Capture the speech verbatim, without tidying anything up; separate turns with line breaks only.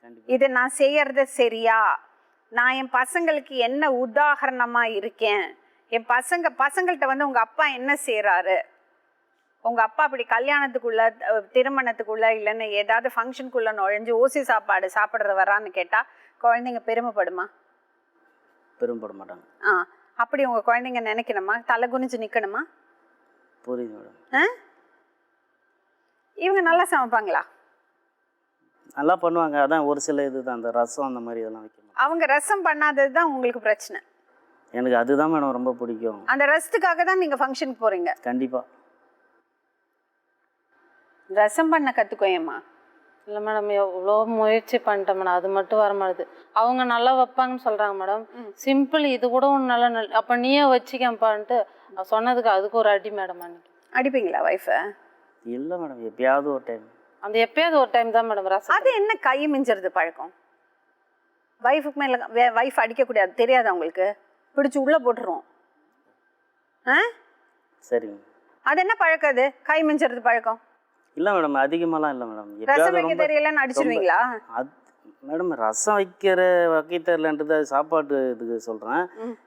இது நான் செய்யறது சரியா, நான் என் பசங்களுக்கு என்ன உதாரணமா இருக்கேன், என் பசங்க பசங்கள்கிட்ட வந்து உங்க அப்பா என்ன செய்யறாரு, உங்க அப்பா அப்படி கல்யாணத்துக்குள்ள திருமணத்துக்குள்ள இல்லைன்னு ஏதாவது ஃபங்க்ஷனுக்குள்ள நுழைஞ்சு ஓசி சாப்பாடு சாப்பிட்றது வரான்னு கேட்டா குழந்தைங்க பெருமைப்படுமா?
பெருமைப்பட மாட்டாங்க.
ஆ, அப்படி உங்க குழந்தைங்க நினைக்கணுமா? தலை குனிஞ்சு நிக்கணுமா?
புரியுது மேடம்.
இவங்க நல்லா சமைப்பாங்களா?
நல்லா பண்ணுவாங்க. அதான் ஒரு சில இதுதான் அந்த ரசம் அந்த மாதிரி இதெல்லாம் வைக்கணும்.
அவங்க ரசம் பண்ணாதது தான் உங்களுக்கு பிரச்சனை.
எனக்கு அதுதான் மேடம் ரொம்ப பிடிக்கும்.
அந்த ரசத்துக்காக தான் நீங்க ஃபங்க்ஷனுக்கு போறீங்க.
கண்டிப்பா.
ரசம் பண்ண கத்துக்கோயம்மா.
இல்லை மேடம், எவ்வளோ முயற்சி பண்ணிட்டேன் மேடம், அது மட்டும் வர மாட்டுது. அவங்க நல்லா வைப்பாங்கன்னு சொல்கிறாங்க மேடம். சிம்பிள் இது கூட ஒன்று நல்லா நல்ல அப்போ நீயே வச்சுக்கப்பான்ட்டு சொன்னதுக்கு அதுக்கு ஒரு அடி மேடம். அன்னைக்கு
அடிப்பீங்களா வைஃபை?
இல்லை மேடம், எப்பயாவது ஒரு டைம்.
அந்த எப்பயாவது ஒரு டைம் தான் மேடம் ரசம்.
அது என்ன கை மிஞ்சுறது பழக்கம்? வைஃபுக்கு மேலே வைஃப் அடிக்கக்கூடாது தெரியாது அவங்களுக்கு, பிடிச்சி உள்ளே போட்டுருவோம். ஆ
சரிங்க.
அது என்ன பழக்கம்? அது கை மிஞ்சுறது பழக்கம்
இல்லை மேடம், அதிகமாலாம் இல்லை மேடம்.
ரசம் வைக்க தெரியலன்னு அடிச்சிருவீங்களா?
அது மேடம் ரசம் வைக்கிற வகை தெரியலன்றது சாப்பாட்டு இதுக்கு சொல்கிறேன்.